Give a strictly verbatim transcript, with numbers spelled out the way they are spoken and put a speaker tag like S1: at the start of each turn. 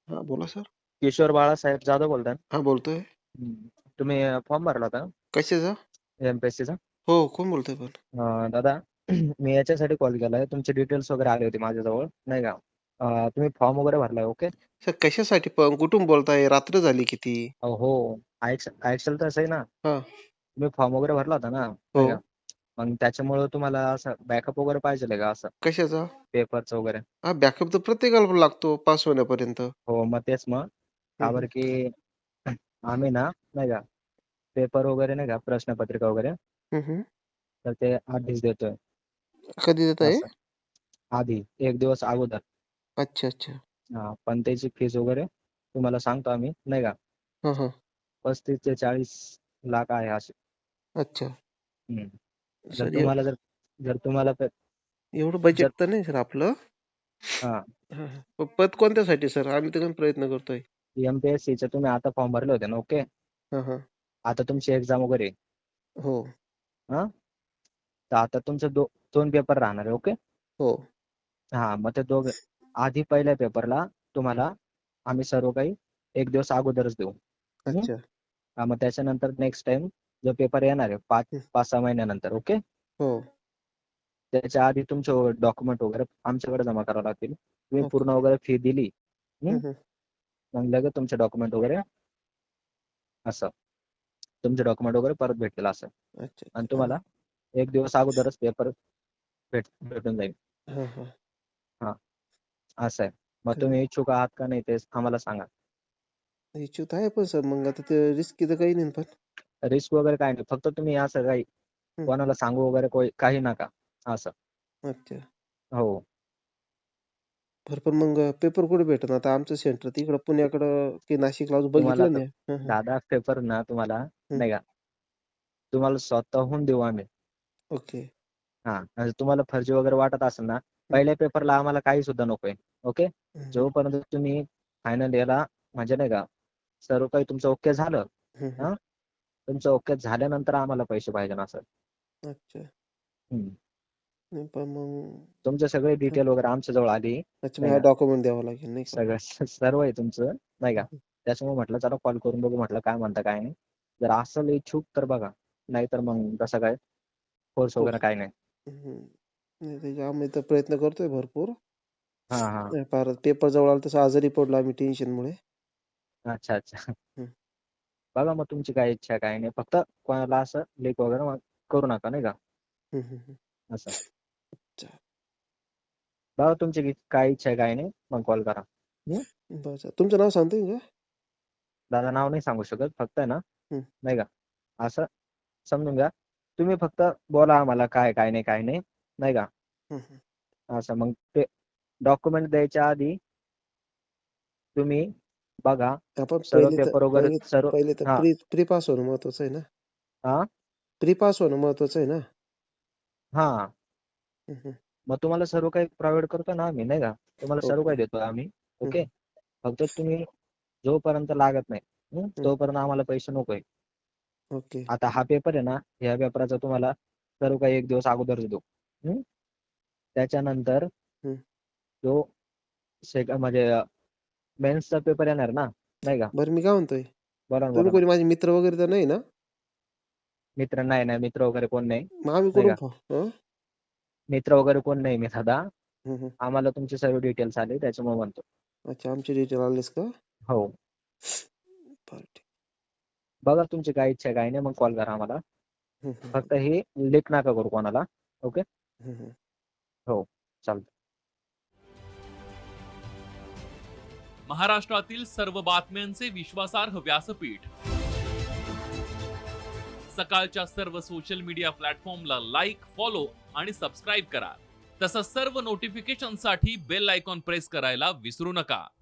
S1: हां, बोला सर.
S2: किशोर बाळासाहेब जाधव बोलताय ना?
S1: हां, बोलतोय.
S2: हं. तुम्ही अ, फॉर्म भरला होता ना
S1: कशाचा?
S2: एम-पी-एस-सीचा?
S1: हो, कोण बोलतोय पण?
S2: अ, दादा मी याच्यासाठी कॉल केलाय, तुमचे डिटेल्स वगैरे आले होते माझ्याजवळ, नाही का? अ, तुम्ही फॉर्म वगैरे भरलाय, ओके?
S1: सर कशासाठी पण? कुठून बोलताय? रात्र झाली किती?
S2: अ, हो. ऐक ऐकशाल तर सही ना,
S1: हां.
S2: तुम्ही फॉर्म वगैरे भरला होता ना,
S1: हो.
S2: नाही का? मग त्याच्यामुळं तुम्हाला असं बॅकअप वगैरे पाहिजेल का असं
S1: कशाचा?
S2: पेपरचं वगैरे?
S1: हां, बॅकअप तर प्रत्येकाला लागतो पास होण्यापर्यंत.
S2: हो, मग तेच मग.
S1: हं,
S2: का
S1: हं.
S2: बरं की आम्ही ना, नाही का, पेपर वगैरे नाही का, प्रश्नपत्रिका वगैरे,
S1: हं, हं.
S2: तर ते आधीच देतोय
S1: कधी देत आहे?
S2: असं. आधी एक दिवस अगोदर.
S1: अच्छा, अच्छा.
S2: हां, पण त्याची फीज वगैरे तुम्हाला सांगतो आम्ही, नाही का,
S1: हां, हां.
S2: पस्तीस ते चाळीस लाख आहे अशी.
S1: अच्छा.
S2: हं. जर
S1: सर एव
S2: तुम्हाला जर जर तुम्हाला प
S1: एवढं
S2: जर
S1: बजेट तर नाही सर आपलं.
S2: हां,
S1: हां, हां. पण पद कोणत्यासाठी सर? आम्ही तर प्रयत्न करतोय.
S2: एम-पी-एस-सीचे तुम्ही आता फॉर्म भरले होते ना, ओके.
S1: हां, हां.
S2: आता तुमची एक्झाम वगैरे आहे.
S1: हो,
S2: हां, तर आता तुमचे दो दोन पेपर राहणार आहे, ओके.
S1: हो.
S2: हां, मग ते दोघं आधी पहिल्या पेपरला तुम्हाला आम्ही सर्व काही एक दिवस अगोदरच देऊ. हं.
S1: अच्छा.
S2: हां, मग त्याच्यानंतर नेक्स्ट टाईम जो पेपर येणार आहे पाच
S1: हं.
S2: पाच सहा महिन्यानंतर, ओके.
S1: हो.
S2: त्याच्या आधी तुमचे डॉक्युमेंट वगैरे आमच्याकडे जमा करावे लागतील. तुम्ही
S1: ओके.
S2: पूर्ण वगैरे फी दिली,
S1: हं,
S2: हं,
S1: हं.
S2: मग लगेच तुमचे डॉक्युमेंट वगैरे असं, तुमचे डॉक्युमेंट वगैरे परत भेटतील असं.
S1: अच्छा,
S2: आणि
S1: अच्छा. हां.
S2: तुम्हाला एक दिवस अगोदरच पेपर भेट भेटून जाईल.
S1: हां, हां.
S2: हां, असं आहे. मग
S1: तर
S2: तुम्ही इच्छुक आहात का नाही ते आम्हाला सांगा.
S1: इच्छुक आहे पण सर मग आता ते रिस्की तर काही नाही पण.
S2: रिस्क वगैरे काही नाही. फक्त तुम्ही असं काही
S1: हं.
S2: कोणाला सांगू वगैरे कोई काही नका असं.
S1: अच्छा.
S2: हो.
S1: बरं पण मग पेपर कुठे भेटेल? आता आमचं सेंटर तिकडं पुण्याकडं की नाशिकला अजून
S2: तुम्हाला
S1: बघितलं
S2: आता
S1: नाही. हं, हं.
S2: दहा दहा पेपर ना तुम्हाला
S1: हं.
S2: नाही का, तुम्हाला स्वतःहून देऊ आम्ही.
S1: ओके.
S2: हां, आणि तुम्हाला फर्जी वगैरे वाटत असेल ना,
S1: हं.
S2: पहिल्या पेपरला आम्हाला काही सुद्धा नकोय. ओके.
S1: हं, हं.
S2: जोपर्यंत तुम्ही फायनल इयरला म्हणजे नाही का, सर्व काही तुमचं ओके झालं,
S1: हं, हं.
S2: हां, तुमचं ओके झाल्यानंतर आम्हाला पैसे पाहिजे असं.
S1: अच्छा.
S2: हं.
S1: नाही पण मग
S2: तुमचे सगळे
S1: हं.
S2: डिटेल वगैरे आमच्याजवळ आली,
S1: अच्छा
S2: नाही
S1: मला
S2: का,
S1: डॉक्युमेंट द्यावं लागेल नाही का?
S2: सगळं सर्व आहे तुमचं, नाही
S1: हं,
S2: का.
S1: हं.
S2: त्याच्यामुळे म्हटलं चला कॉल करून बघू म्हटलं काय म्हणता काय नाही. जर असेल इच्छुक तर बघा, नाहीतर मग तसं काय फोर्स
S1: हो.
S2: वगैरे काही नाही.
S1: हं. नाही त्याचे आम्ही तर प्रयत्न करतोय भरपूर.
S2: हां, हां.
S1: नाही फार पेपर जवळ आला तसं आजारी पडलो आम्ही टेन्शनमुळे.
S2: अच्छा, अच्छा.
S1: हं.
S2: बघा मग तुमची काय इच्छा आहे काय नाही. फक्त कोणाला असं लीक वगैरे मग करू नका नाही का,
S1: हं, हं, हं.
S2: असं.
S1: अच्छा.
S2: बघा तुमची की काय इच्छा आहे काय नाही, मग कॉल करा. हं.
S1: बरं चालेल. तुमचं नाव सांगता येईल का?
S2: दादा नाव नाही सांगू शकत. फक्त आहे ना,
S1: हं.
S2: नाही का, असं समजून घ्या. तुम्ही फक्त बोला आम्हाला काय, काय नाही, काय नाही, नाही का.
S1: हं, हं.
S2: असं मग ते डॉक्युमेंट द्यायच्या आधी तुम्ही बघा
S1: आपण
S2: सर्व
S1: पहिले तर
S2: पेपर वगैरे
S1: पहिले
S2: सर्व
S1: पहिले तर
S2: हां,
S1: प्री प्री पास होणं महत्वाचं आहे ना?
S2: हां,
S1: प्री पास होणं महत्वाचं आहे ना?
S2: हां.
S1: हं, हं.
S2: मग तुम्हाला सर्व काही प्रोव्हाईड करतो ना आम्ही, नाही का. तुम्हाला सर्व
S1: ओके.
S2: काही देतो आम्ही.
S1: हं,
S2: ओके.
S1: हं.
S2: फक्त तुम्ही जोपर्यंत लागत नाही, हं,
S1: हं.
S2: तोपर्यंत आम्हाला पैसे नकोय.
S1: ओके.
S2: आता हा पेपर आहे ना, ह्या पेपराचा तुम्हाला सर्व काही एक दिवस अगोदरच देऊ. हं. त्याच्यानंतर
S1: हं.
S2: जो सेक म्हणजे मेन्सचा पेपर येणार ना, नाही का.
S1: बरं मी काय म्हणतोय,
S2: बोला ना,
S1: तुम्ही
S2: बोला ना.
S1: कोणी माझे मित्र वगैरे तर नाही ना?
S2: मित्र नाही, नाही. मित्र वगैरे कोण नाही,
S1: मग आम्ही
S2: नाही
S1: कुठून
S2: का.
S1: फ हं?
S2: मित्र वगैरे कोण नाही मी दादा.
S1: हं, हं.
S2: आम्हाला तुमचे सर्व डिटेल्स आले त्याच्यामुळे म्हणतो.
S1: अच्छा आमचे डिटेल आलेस का?
S2: हो.
S1: बरं ठीक.
S2: बघा तुमची काय इच्छा आहे काय नाही, मग कॉल करा आम्हाला.
S1: हं, हं, हं.
S2: फक्त हे लीक नका करू कोणाला. ओके.
S1: हं, हं.
S2: हो, चालतं.
S3: महाराष्ट्रातील सर्व बातम्यांचे विश्वासार्ह व्यासपीठ. सकाळच्या सर्व सोशल मीडिया प्लॅटफॉर्मला लाईक, फॉलो आणि सबस्क्राईब करा. तसंच सर्व नोटिफिकेशनसाठी बेल आयकॉन प्रेस करायला विसरू नका.